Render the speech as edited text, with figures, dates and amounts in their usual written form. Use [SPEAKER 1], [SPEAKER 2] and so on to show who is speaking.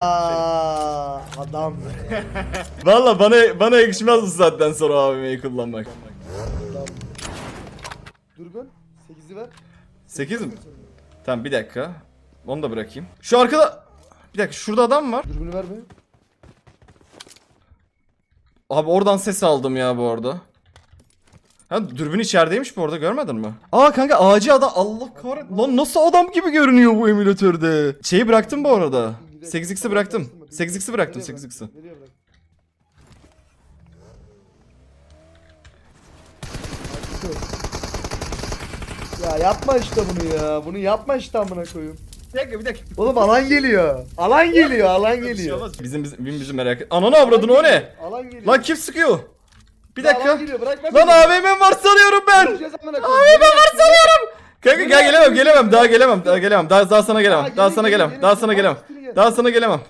[SPEAKER 1] Aa, adam.
[SPEAKER 2] Valla bana yakışmaz bu saatten sonra AVM'yi kullanmak.
[SPEAKER 1] Adam. Durgun. 8'i ver.
[SPEAKER 2] 8 mi? Tamam bir dakika. Onu da bırakayım. Şu arkada... Bir dakika şurada adam var.
[SPEAKER 1] Dürbünü ver be.
[SPEAKER 2] Abi oradan ses aldım ya bu arada. Ha dürbün içerideymiş bu arada, görmedin mi? Aa kanka ağacı adam, Allah kahretsin. Lan nasıl adam gibi görünüyor bu emülatörde. Şeyi bıraktım bu arada. 8x'i bıraktım. 8x'i bıraktım,
[SPEAKER 1] Nereye
[SPEAKER 2] 8x'i.
[SPEAKER 1] Nereye bırak? Ya yapma işte bunu ya. Bunu yapma işte amına koyayım.
[SPEAKER 2] Bir dakika.
[SPEAKER 1] Oğlum alan geliyor. Alan geliyor, alan geliyor.
[SPEAKER 2] Bizim merak et. Ananı avradın o ne?
[SPEAKER 1] Alan geliyor.
[SPEAKER 2] Lan kim sıkıyor? Bir
[SPEAKER 1] Alan
[SPEAKER 2] dakika.
[SPEAKER 1] geliyor, bırakma
[SPEAKER 2] Lan
[SPEAKER 1] beni.
[SPEAKER 2] AVM var sanıyorum ben.
[SPEAKER 1] Vuracağız amına koyayım.
[SPEAKER 2] AVM var sanıyorum. Kanka gel gelemem. Daha sana gelemem. Daha sana gelemem. Daha sana gelemem. Daha sana gelemem.